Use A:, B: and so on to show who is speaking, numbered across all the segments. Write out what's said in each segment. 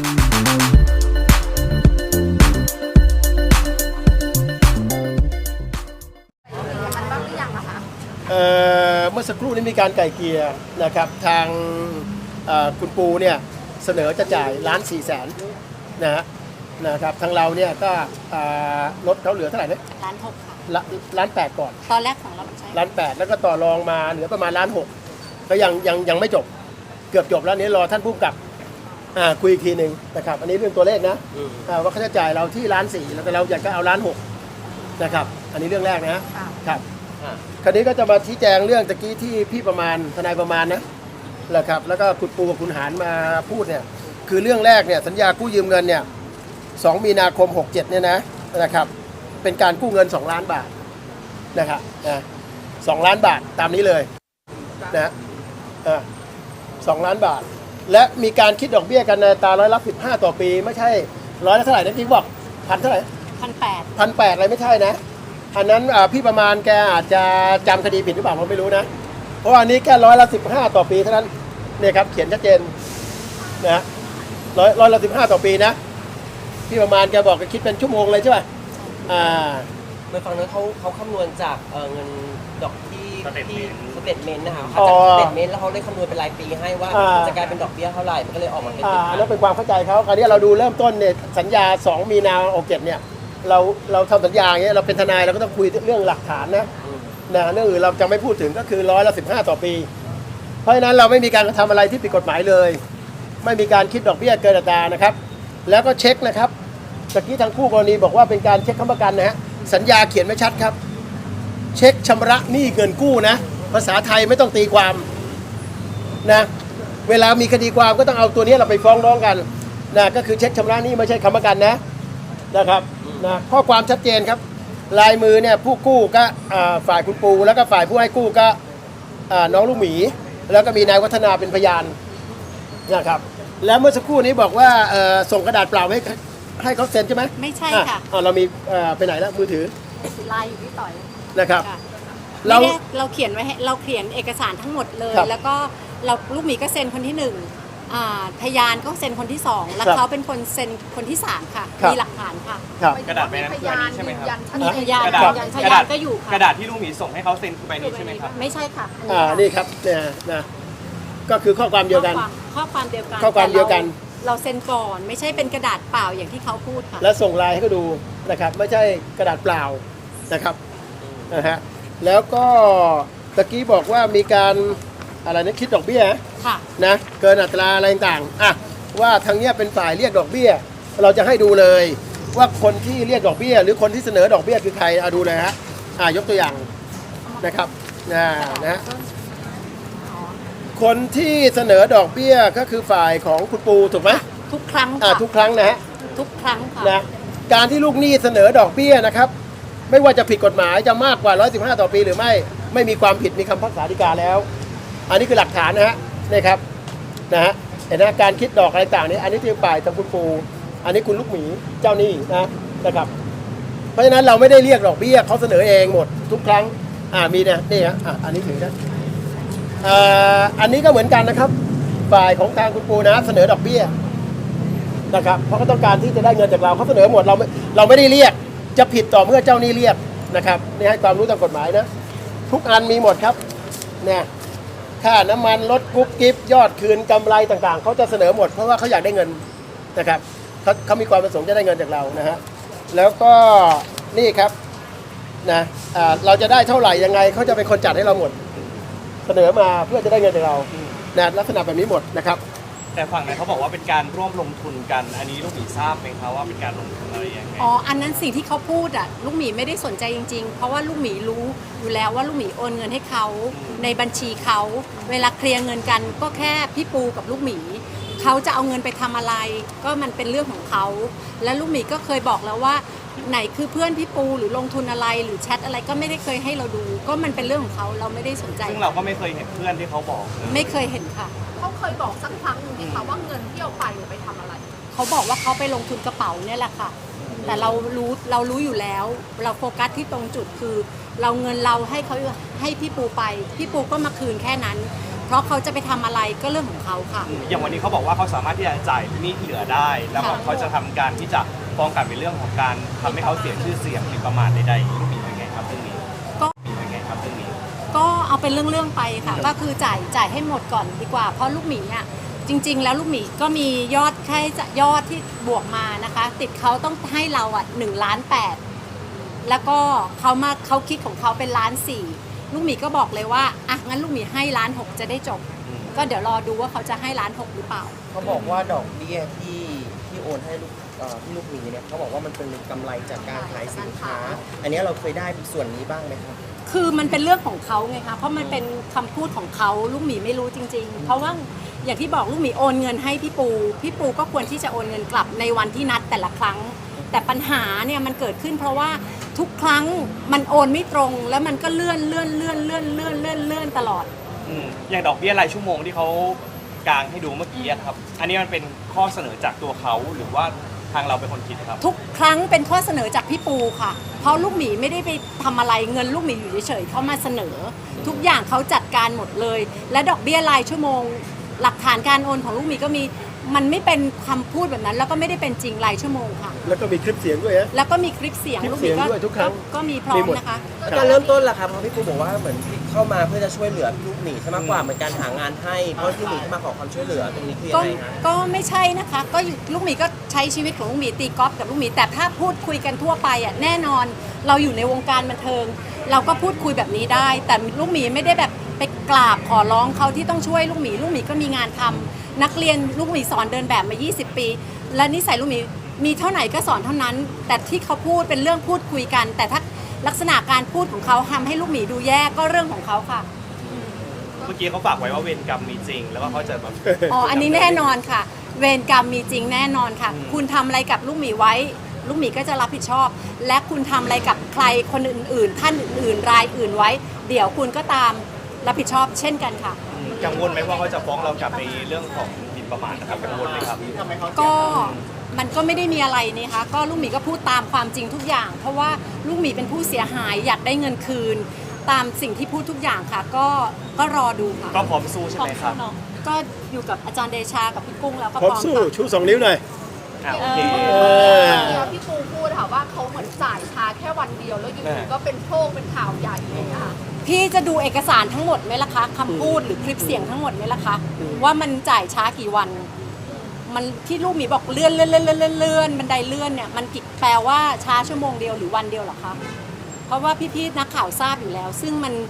A: เมื่อสักครู่นี้มีการไกล่เกลี่ยนะครับทางคุณปูเนี่ยเสนอจะจ่าย1,400,000นะครับทางเราเนี่ยก็ลดเขาเหลือเท่าไหร่นะ
B: 1,600,000ค่ะ
A: 1,800,000ก่อน
B: ตอนแรกของเราใช่
A: 1,800,000แล้วก็ต่อรองมาเหลือประมาณ1,600,000ก็ยังไม่จบเกือบจบแล้วนี้รอท่านผู้กำกับคุยอีกทีหนึ่งนะครับอันนี้เรื่องตัวเลขนะว่าค่าใช้จ่ายเราที่1,400,000แล้วแต่เราอยากก็เอา1,600,000นะครับอันนี้เรื่องแรกนะครับคราวนี้ก็จะมาชี้แจงเรื่องตะกี้ที่พี่ประมาณทนายประมาณนะแหละครับแล้วก็คุณปูกับคุณหารมาพูดเนี่ยคือเรื่องแรกเนี่ยสัญญากู้ยืมเงินเนี่ย2 มีนาคม 67เนี่ยนะครับเป็นการกู้เงิน2 ล้านบาทนะครับ2 ล้านบาทตามนี้เลยนะ2 ล้านบาทและมีการคิดดอกเบี้ยกันในตา15%ต่อปีไม่ใช่ร้อยละเท่าไหร่นะพี่บอกพันเท่าไหร่1,800อะไรไม่ใช่นะอันนั้นพี่ประมาณแกอาจจะจำคดีผิดหรือเปล่าผมไม่รู้นะเพราะว่าอันนี้แค่15%ต่อปีเท่านั้นเนี่ยครับเขียนชัดเจนนะร้อยละ15%ต่อปีนะพี่ประมาณแกบอกแกคิดเป็นชั่วโมงเลยใช่ไหม
C: เมื่อฟังนั้นเขาคำนวณจากเงินดอกที่สเตทเมนต์นะคะ
A: จาก
C: สเตทเมนต์แล้วเขาได้คำนวณเป็นรายปีให้ว่าจะกลายเป็นดอกเบี้ยเท่าไหร่มันก็เลยออกมาเป็น
A: แล้วเป็นความเข้าใจเขาคราวนี้เราดูเริ่มต้นเนี่ยสัญญา2 มีนาคม 67เนี่ยเราทำสัญญาอย่างเงี้ยเราเป็นทนายเราก็ต้องคุยเรื่องหลักฐานนะเรื่องอื่นเราจะไม่พูดถึงก็คือ15%ต่อปีเพราะฉะนั้นเราไม่มีการทำอะไรที่ผิดกฎหมายเลยไม่มีการคิดดอกเบี้ยเกินอัตรานะครับแล้วก็เช็คนะครับตะกี้ทางคู่กรณีบอกว่าเป็นการเช็คค้ำประกันนะฮะสัญญาเขียนไว้ชัดครับเช็คชำระหนี้เงินกู้นะภาษาไทยไม่ต้องตีความนะเวลามีคดีความก็ต้องเอาตัวนี้เราไปฟ้องร้องกันนะก็คือเช็คชำระหนี้ไม่ใช่ค้ำประกันนะครับนะข้อความชัดเจนครับลายมือเนี่ยผู้กู้ก็ฝ่ายคุณปูแล้วก็ฝ่ายผู้ให้กู้ก็น้องลูกหมีแล้วก็มีนายวัฒนาเป็นพยานนะครับแล้วเมื่อสักครู่นี้บอกว่าส่งกระดาษเปล่าให้เขาเซ็นใช่ไหม
B: ไม่ใช่ค่ะ
A: เรามีไปไหนแล้วมือถือ
B: ไลน์อยู่ที่ต่อย
A: นะครับ
B: เราเขียนไว้เราเขียนเอกสารทั้งหมดเลยแล้วก็ลูกหมีก็เซ็นคนที่1พยานก็เซ็นคนที่2แล้วเขาเป็นคนเซ็นคนที่3ค่ะมีหลักฐานค่ะ
D: กระดาษใบนั้นคือใบนี้ใช่ไหมครับ
B: มีพยานก็อยู่ค่ะ
D: กระดาษที่ลูกหมีส่งให้เขาเซ็นคือใบนี้ใช่ไหมครับ
B: ไม่ใช่ค่ะ
A: นี่ครับเนี่ยนะก็คือข้อความเดียวกัน
B: ข้อความเดียวกัน เราเซ็นก่อนไม่ใช่เป็นกระดาษเปล่าอย่างที่เขาพูดค่ะ
A: แล้วส่งไลน์ให้เขาดูนะครับไม่ใช่กระดาษเปล่านะครับแล้วก็ตะกี้บอกว่ามีการอะไรนะคิดดอกเบี้ยนะเกินอัตราอะไรต่างว่าทางเนี้ยเป็นฝ่ายเรียกดอกเบี้ยเราจะให้ดูเลยว่าคนที่เรียกดอกเบี้ยหรือคนที่เสนอดอกเบี้ยคือใครดูเลยฮะยกตัวอย่างนะครับนะคนที่เสนอดอกเบี้ยก็คือฝ่ายของคุณปูถูกไหม
B: ทุกครั้ง
A: ทุกครั้งนะฮะ
B: ทุกครั้งค่ะ
A: นะการที่ลูกหนี้เสนอดอกเบี้ยนะครับไม่ว่าจะผิดกฎหมายจะมากกว่า115%ต่อปีหรือไม่มีความผิดมีคำพิพากษาฎีกาแล้วอันนี้คือหลักฐานนะฮะนี่ครับนะฮะเห็นนะการคิดดอกอะไรต่างนี้อันนี้ที่ฝ่ายทางคุณปูอันนี้คุณลูกหมีเจ้าหนี้นะครับเพราะฉะนั้นเราไม่ได้เรียกดอกเบี้ยเขาเสนอเองหมดทุกครั้งมีนี่ฮะอันนี้ถือนะอันนี้ก็เหมือนกันนะครับฝ่ายของทางคุณปูนะเสนอดอกเบี้ยนะครับเพราะเขาต้องการที่จะได้เงินจากเราเขาเสนอหมดเราไม่ได้เรียกจะผิดต่อเมื่อเจ้าหนี้เรียกนะครับนี่ให้ความรู้ตามกฎหมายนะทุกอันมีหมดครับเนี่ยค่าน้ำมันลดกุ๊บกิ๊บยอดคืนกำไรต่างๆเขาจะเสนอหมดเพราะว่าเขาอยากได้เงินนะครับเขามีความประสงค์จะได้เงินจากเรานะฮะแล้วก็นี่ครับนะเราจะได้เท่าไหร่ยังไงเขาจะเป็นคนจัดให้เราหมดเสนอมาเพื่อจะได้เงินจากเราลักษณะแบบนี้หมดนะครับ
D: แต่ฝั่งนั้นเขาบอกว่าเป็นการร่วมลงทุนกันอันนี้ลูกหมีทราบไหมครับว่าเป็นการลงทุนอะไรยังไง
B: อันนั้นสิ่งที่เขาพูดลูกหมีไม่ได้สนใจจริงๆเพราะว่าลูกหมีรู้อยู่แล้วว่าลูกหมีโอนเงินให้เขาในบัญชีเขาเวลาเคลียร์เงินกันก็แค่พี่ปูกับลูกหมีเขาจะเอาเงินไปทำอะไรก็มันเป็นเรื่องของเขาและลูกหมีก็เคยบอกแล้วว่าไหนคือเพื่อนพี่ปูหรือลงทุนอะไรหรือแชทอะไรก็ไม่ได้เคยให้เราดูก็มันเป็นเรื่องของเขาเราไม่ได้สนใจ
D: ซึ่งเราก็ไม่เคยเห็นเพื่อนที่เขาบอก
B: ไม่เคยเห็นค่ะ
E: เขาเคยบอกสักครั้งหนึ่งที่เขาว่าเงินที่เอาไปทำอะไร
B: เขาบอกว่าเขาไปลงทุนกระเป๋าเนี่ยแหละค่ะแต่เรารู้อยู่แล้วเราโฟกัสที่ตรงจุดคือเราเงินเราให้เขาให้พี่ปูไปพี่ปูก็มาคืนแค่นั้นเพราะเขาจะไปทำอะไรก็เรื่องของเขาค่ะ
D: อย่างวันนี้เขาบอกว่าเขาสามารถที่จะจ่ายหนี้ที่เหลือได้ แล้วก็
B: ค่ะ
D: เขาจะทำการที่จะฟ้องกลับในเรื่องของการทำให้เขาเสียชื่อเสียงหรือประมาทใดๆลูกหมีเป็นไงครับเรื่องนี้
B: ก็
D: มีเป็นไงครับเรื่องนี้
B: ก็เอาเป็นเรื่องๆไปค่ะ ก็คือจ่ายให้หมดก่อนดีกว่า เพราะลูกหมีอ่ะจริง ๆ แล้วลูกหมีก็มียอดแค่ยอดที่บวกมานะคะ ติดเขาต้องให้เราอ่ะ1.8 ล้านแล้วก็เขาคิดของเขาเป็น1.4 ล้านลูกหมีก็บอกเลยว่าอ่ะงั้นลูกหมีให้1.6 ล้านจะได้จบ ก็เดี๋ยวรอดูว่าเขาจะให้1.6 ล้านหรือเปล่า
C: เขาบอกว่าดอกเบี้ยที่โอนให้ที่ลูกหมีเนี่ยเขาบอกว่ามันเป็นกำไรจากการขายสินค้า อันนี้เราเคยได้ส่วนนี้บ้างไหมครับ
B: คือมันเป็นเรื่องของเขาไงคะเพราะมันเป็นคำพูดของเขาลูกหมีไม่รู้จริง ๆ เพราะว่าอย่างที่บอกลูกหมีโอนเงินให้พี่ปูก็ควรที่จะโอนเงินกลับในวันที่นัดแต่ละครั้ง แต่ปัญหาเนี่ยมันเกิดขึ้นเพราะว่าทุกครั้งมันโอนไม่ตรงแล้วมันก็เลื่อนตลอด
D: อย่างดอกเบี้ยรายชั่วโมงที่เขากางให้ดูเมื่อกี้อะครับ อันนี้มันเป็นข้อเสนอจากตัวเขาหรือว่าทางเราเป็นคนคิดครับ
B: ทุกครั้งเป็นข้อเสนอจากพี่ปูค่ะ เพราะลูกหมีไม่ได้ไปทำอะไรเงินลูกหมีอยู่เฉยๆเขามาเสนอ ทุกอย่างเขาจัดการหมดเลย และดอกเบี้ยรายชั่วโมง หลักฐานการโอนของลูกหมีก็มีมันไม่เป็นคำพูดแบบนั้น แล้วก็ไม่ได้เป็นจริงรายชั่วโมงค่ะ
A: แล้วก็มีคลิปเสียงด้วยนะ
B: แล้วก็มีคลิปเสียง
A: คลิป
B: ลูกห
A: เสี
B: มี
A: ยงด้วยทุกครั้ง
B: ก็มีพร้อ
A: มี
B: ม
A: หมด
B: นะคะ
C: การเริ่มต้นล่ะครับเพราะพี่ปูบอกว่าเหมือนเข้ามาเพื่อจะช่วยเหลือลูกหมีใช่มากกว่าเหมือนการหางานให้เพราะที่หมีเข้ามาขอความช่วยเหลือตรงนี้คือยั
B: ก็
C: งไงฮะ
B: ก็ไม่ใช่นะคะก็อยู่ลูกหมีก็ใช้ชีวิตของลูกหมีตีกอล์ฟกับลูกหมีแต่ถ้าพูดคุยกันทั่วไปอ่ะแน่นอนเราอยู่ในวงการบันเทิง เราก็พูดคุยแบบนี้ได้ แต่ลูกหมีไม่ได้แบบไปกราบขอร้องเขาที่ต้องช่วยลูกหมีก็มีงานทำนักเรียนลูกหมีสอนเดินแบบมา 20 ปี และนิสัยลูกหมีมีเท่าไหร่ก็สอนเท่านั้น แต่ที่เขาพูดเป็นเรื่องพูดคุยกัน แต่ถ้าลักษณะการพูดของเขาทำให้ลูกหมีดูแย่ก็เรื่องของเขาค่ะ
D: เมื่อกี้เขาฝากไว้ว่าเวรกรรมมีจริง แล้วก็เขาจะแบบ
B: อ๋อ อันนี้แน่นอนค่ะ เวรกรรมมีจริงแน่นอนค่ะ คุณทำอะไรกับลูกหมีไว้ ลูกหมีก็จะรับผิดชอบ และคุณทำอะไรกับใครคนอื่นๆ ท่านอื่นๆ รายอื่นไว้ เดี๋ยวคุณก็ตามรับผิดชอบเช่นกันค่ะ
D: กังวลไหมว่าเขาจะฟ้องเรากลับในเรื่องของหมิ่นประมาทนะครับกังวลไหมครับ
B: ก็มันก็ไม่ได้มีอะไรนี่คะก็ลูกหมีก็พูดตามความจริงทุกอย่าง เพราะว่าลูกหมีเป็นผู้เสียหายอยากได้เงินคืน ตามสิ่งที่พูดทุกอย่างค่ะ ก็รอดูค่ะ
D: ก็พร้อมสู้ใช่ไหมครับ
B: ก็อยู่กับอาจารย์เดชากับพี่กุ้งแล้วก็
A: พร้อม
B: พร้อม
A: สู้
B: ค่ะ
A: ชู2 นิ้วหน่อย
D: โอเค
E: พี่ปูพูดค่ะว่าเขาเหมือนจ่ายช้าแค่วันเดียวแล้วอยู่ดีก็เป็นโชคเป็นข่าวใหญ่อะไรอย่างเงี้ยค่ะ
B: พี่จะดูเอกสารทั้งหมดไหมล่ะคะคำพูดหรือคลิปเสียงทั้งหมดไหมล่ะคะว่ามันจ่ายช้ากี่วัน มันที่ลูกหมีบอกเลื่อนบันไดเลื่อนเนี่ยมันกี่แปลว่าช้าชั่วโมงเดียวหรือวันเดียวเหรอคะเพราะว่าพี่ๆนักข่าวทราบอยู่แล้ว ซึ่งมัน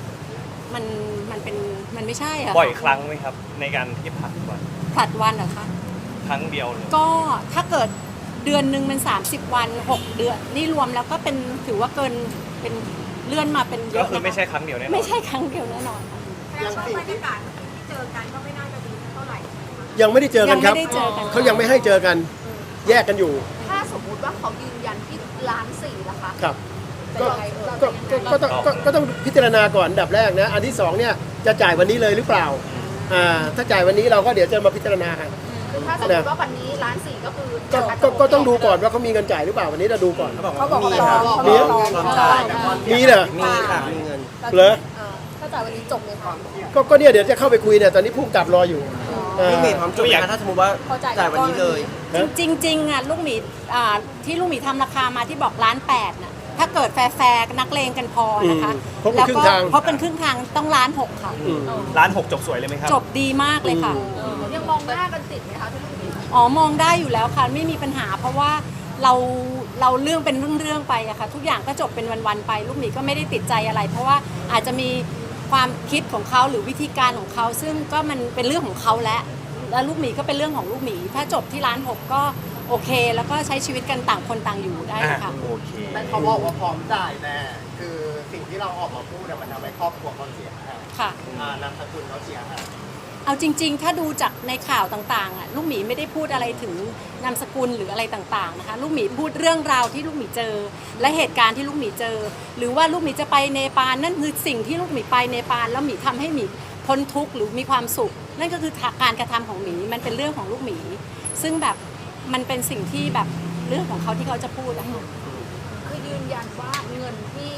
B: ไม่ใช่อะ
D: บ่อยครั้งไหมครับ ในการที่ผลัดวัน
B: ผลัดวันเหรอคะ
D: ครั้งเดียวเลย
B: ก็ถ้าเกิดเดือนหนึ่งมัน30 วัน 6 เดือนนี่รวมแล้วก็เป็นถือว่าเกินเป็นเลื่อนมาเป็นเย
D: ก็
B: อะ
D: คือ
B: นะคะ
D: ไม่ใช่ครั้งเดียวแน่นอน
B: ไม่ใช่ครั้งเดียวแน่นอนค่ะ
E: แล้วบรรยากาศที่เจอกันก็ไม่น่าจะดีเท่าไหร่
A: ยังไม่ได้เจอกันครับ
B: ยังไม่ได้เจอกัน
A: เขายังไม่ให้เจอกัน แยกกันอยู่
E: ถ้าสมมุติว่าเขายืนยันที่1.4 ล้านล่ะคะ
A: ครับ
E: จะ
A: ก็
E: ยังไง
A: ก็ต้องพิจารณาก่อนอันดับแรกนะ อันที่สองเนี่ยจะจ่ายวันนี้เลยหรือเปล่า ถ้าจ่ายวันนี้เราก็เดี๋ยวจะมาพิจารณากัน
E: คือถ้าสมมติว่าวันนี้1.4 ล้านก็คือ
A: ก็ต้องดูก่อนว่าเขามีเงินจ่ายหรือเปล่าวันนี้เราดูก่อน
C: เขาบอกว่ามีครับ
A: มี
C: พร้อมจ่าย
A: มีเหรอ
C: มีค่ะมีเงิน
A: เหรอ
E: ถ้าจ่ายวันนี้จบเลยค่ะ
A: ก็เนี่ยเดี๋ยวจะเข้าไปคุยเนี่ยตอนนี้ผู้กำกับรออยู่
C: ลูกหมีพร้อมจบไหมคะถ้าสมมติว่าจ่ายวันนี้เลย
B: จริงๆอ่ะลูกหมีที่ลูกหมีทำราคามาที่บอก1.8 ล้านน่ะถ้าเกิดแฟร์นักเลงกันพอนะคะ
A: ครบเป็น
B: แล้ว
A: ครึ่
B: ก็
A: งทาง
B: เพราะเป็นครึ่งทางต้อง1.6 ล้านค่ะ
D: ร้าน 6 จบสวยเลยไหมครับ
B: จบดีมากเลยค่ะ
E: ยังมองหน้ากันติดไหมคะที่ลูกหมี
B: อ๋อมองได้อยู่แล้วค่ะไม่มีปัญหา เพราะว่าเราเรื่องเป็นเรื่องไปอะค่ะทุกอย่างก็จบเป็นวันๆไป ลูกหมีก็ไม่ได้ติดใจอะไร เพราะว่าอาจจะมีความคิดของเขาหรือวิธีการของเขาซึ่งก็มันเป็นเรื่องของเขาแล้วลูกหมีก็เป็นเรื่องของลูกหมี ถ้าจบที่1.6 ล้านก็โอเค แล้วก็ใช้ชีวิตกันต่างคนต่างอยู่ได้ค่ะ
D: โอเค
F: แต่เขาบอกว่าพร้อมจ่ายแน่คือสิ่งที่เราออกมาพูดเนี่ยมันทำให้ครอบครัวเขาเสียหาย
B: ค่ะ
F: นามสกุลเขาเสียหาย
B: เอาจริงๆ ถ้าดูจากในข่าวต่างๆอ่ะลูกหมีไม่ได้พูดอะไรถึงนามสกุลหรืออะไรต่างๆนะคะลูกหมีพูดเรื่องราวที่ลูกหมีเจอ และเหตุการณ์ที่ลูกหมีเจอ หรือว่าลูกหมีจะไปเนปาลนั่นคือสิ่งที่ลูกหมีไปเนปาลแล้วหมีทำให้หมีพ้นทุกข์หรือมีความสุข นั่นก็คือการกระทำของหมีมันเป็นเรื่องของลูกหมี ซึ่งแบบมันเป็นสิ่งที่แบบเรื่องของเขาที่เขาจะพูดนะคะ
E: คือยืนยันว่าเงินที่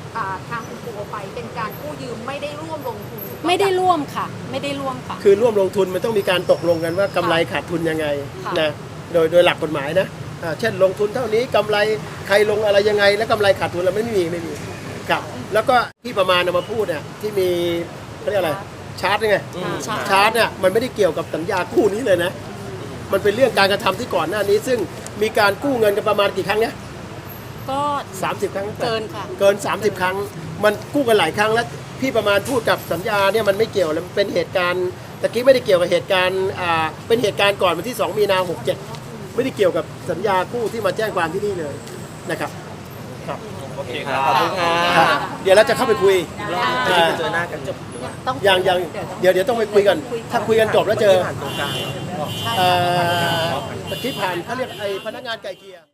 E: ทางคุณปูเอาไปเป็นการกู้ยืมไม่ได้ร่วมลงทุน
B: ไม่ได้ร่วมค่ะ ไม่ได้ร่วมค่ะ
A: คือร่วมลงทุนมันต้องมีการตกลงกันว่ากำไรขาดทุนยังไง
B: ค่ะ
A: นะโดยหลักกฎหมายนะเช่นลงทุนเท่านี้กำไรใครลงอะไรยังไง แล้วกำไรขาดทุนเราไม่มีครับแล้วก็ที่ประมาณเอามาพูดเนี่ยที่มีเขาเรียกอะไรชาร์ตไง ชาร์ตเนี่ยมันไม่ได้เกี่ยวกับสัญญากู้นี้เลยนะ มันเป็นเรื่องการกระทำที่ก่อนหน้านี้ ซึ่งมีการกู้เงินกันประมาณกี่ครั้งเนี่ย
B: ก็
A: 30 ครั้ง
B: เกินค่ะ
A: เกิน 30 ครั้ง มันกู้กันหลายครั้งแล้วพี่ประมาณพูดกับสัญญาเนี่ยมันไม่เกี่ยวแล้วมันเป็นเหตุการณ์ตะกี้ไม่ได้เกี่ยวกับเหตุการณ์เป็นเหตุการณ์ก่อนวันที่ 2 มีนา 67 ไม่ได้เกี่ยวกับสัญญากู้ที่มาแจ้งความที่นี่เลยนะครับครับ
D: โอเคครับ
C: ขอบคุณค่ะ
A: ครับเดี๋ยวเราจะเข้าไปคุย
C: จะได้เจอหน้ากันจบหรือว่า
B: ต้อง
A: ยังเดี๋ยวต้องไปคุยกัน ถ้าคุยกันจบแล้วเจอ
C: ผ่านตรงกลาง
A: ตะกี้ผ่านเขาเรียกไอ้พนักงานไกลเกลี่ย